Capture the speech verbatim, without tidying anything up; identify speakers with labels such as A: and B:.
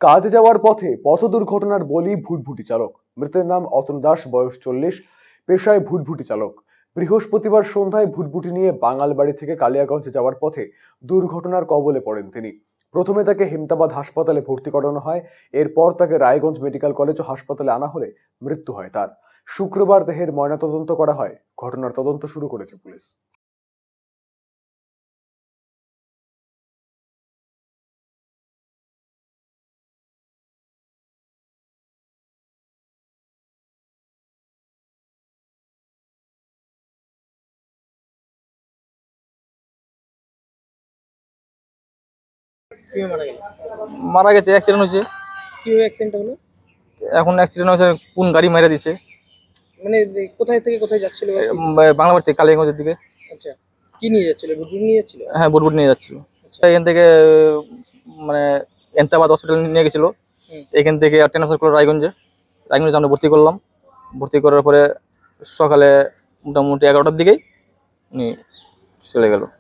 A: কাজে যাওয়ার পথে পথ দুর্ঘটনার বলি ভুটভুটি চালক। মৃতের নাম অতন দাস, বয়স চল্লিশ, পেশায় ভুটভুটি চালক। বৃহস্পতিবার সন্ধ্যায় ভুটভুটি নিয়ে বাঙালবাড়ি থেকে কালিয়াগঞ্জে যাওয়ার পথে দুর্ঘটনার কবলে পড়েন তিনি। প্রথমে তাকে হেমতাবাদ হাসপাতালে ভর্তি করানো হয়। এরপর তাকে রায়গঞ্জ মেডিকেল কলেজ ও হাসপাতালে আনা হলে মৃত্যু হয় তার। শুক্রবার দেহের ময়নাতদন্ত করা হয়। ঘটনার তদন্ত শুরু করেছে পুলিশ।
B: কিভাবে মারা গেল?
C: মারা গেছে, অ্যাক্সিডেন্ট হয়েছে।
B: কিভাবে অ্যাক্সিডেন্ট হলো?
C: এখন অ্যাক্সিডেন্ট হয়েছে, কোন গাড়ি মেরে দিছে।
B: মানে এই কোথায় থেকে কোথায় যাচ্ছিল বা কি?
C: বাংলাবাড়ি থেকে কালিয়াগঞ্জের দিকে।
B: আচ্ছা, কি নিয়ে যাচ্ছিল? বুটবুট নিয়ে যাচ্ছিল?
C: হ্যাঁ, বুটবুট নিয়ে যাচ্ছিল।
B: আচ্ছা।
C: এখান থেকে মানে এন্তাবাদ হসপিটাল নিয়ে গেছিল।
B: হুম।
C: এখান থেকে ট্রান্সফার করলো রায়গঞ্জে। রায়গঞ্জে আমরা ভর্তি করলাম। ভর্তি করার পরে সকালে মোটামুটি এগারোটার দিকেই উনি চলে গেল।